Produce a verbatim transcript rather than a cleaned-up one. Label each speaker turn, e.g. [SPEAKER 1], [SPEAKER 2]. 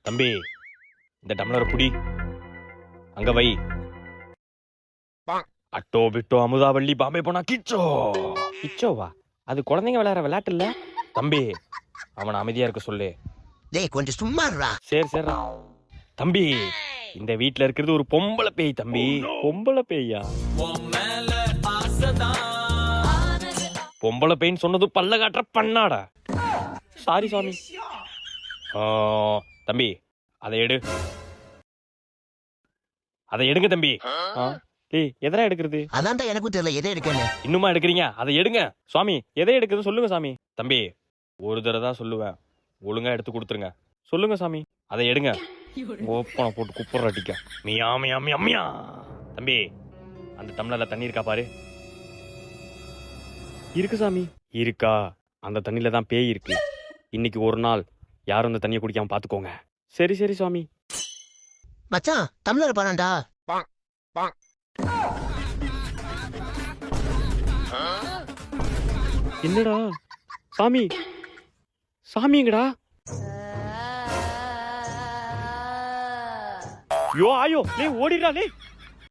[SPEAKER 1] தம்பி இந்த டம்ளர் புடி அங்க வை. அட்டோ பிட்டோ அமுதாவள்ளி பாம்பே போனா கிச்சோ. கிச்சோவா? அது குழந்தைங்க விளையாடுற விளையாட்டு இல்ல தம்பி. அவனை அமைதியா இருக்க சொல்லு.
[SPEAKER 2] டேய் கொஞ்சம் சும்மா இருடா.
[SPEAKER 1] சரி சரி தம்பி. இந்த வீட்ல இருக்கிறது ஒரு பொம்பளை பேய் தம்பி. பொம்பளை பேயா? பொம்பளை பேய்ன்னு சொன்னது பல்ல காட்டுற பண்ணாடா. சாரி சாமி. தம்பி அதை எடு. அதை எடுங்க தம்பி. டேய் எதனா எடுக்கிறது?
[SPEAKER 2] அதான்டா எனக்கும் தெரியல எதை எடுக்கன்னு.
[SPEAKER 1] இன்னுமா எடுக்கிறீங்க? அதை எடுங்க சுவாமி. எதை எடுக்கிறது சொல்லுங்க சாமி. தம்பி ஒரு தடவை தான் சொல்லுவேன், ஒழுங்கா எடுத்து கொடுத்துருங்க. சொல்லுங்க சாமி. அதை எடுங்க. ஓப்பனை போட்டு குப்புற அடிக்க. மியா மியா மியா மியா. தம்பி அந்த டம்ளர்ல தண்ணி இருக்கா பாரு. இருக்கு சாமி. இருக்கா? அந்த தண்ணியில தான் பேய் இருக்கு. இன்னைக்கு ஒரு நாள் யாரும் அந்த தண்ணியை குடிக்காம பாத்துக்கோங்க. சரி சரி சுவாமி.
[SPEAKER 2] மச்சான் டம்ளர் பாருடா.
[SPEAKER 1] என்னடா சாமி? சாமிங்கடா. யோ ஆயோ லே ஓடிடா லே.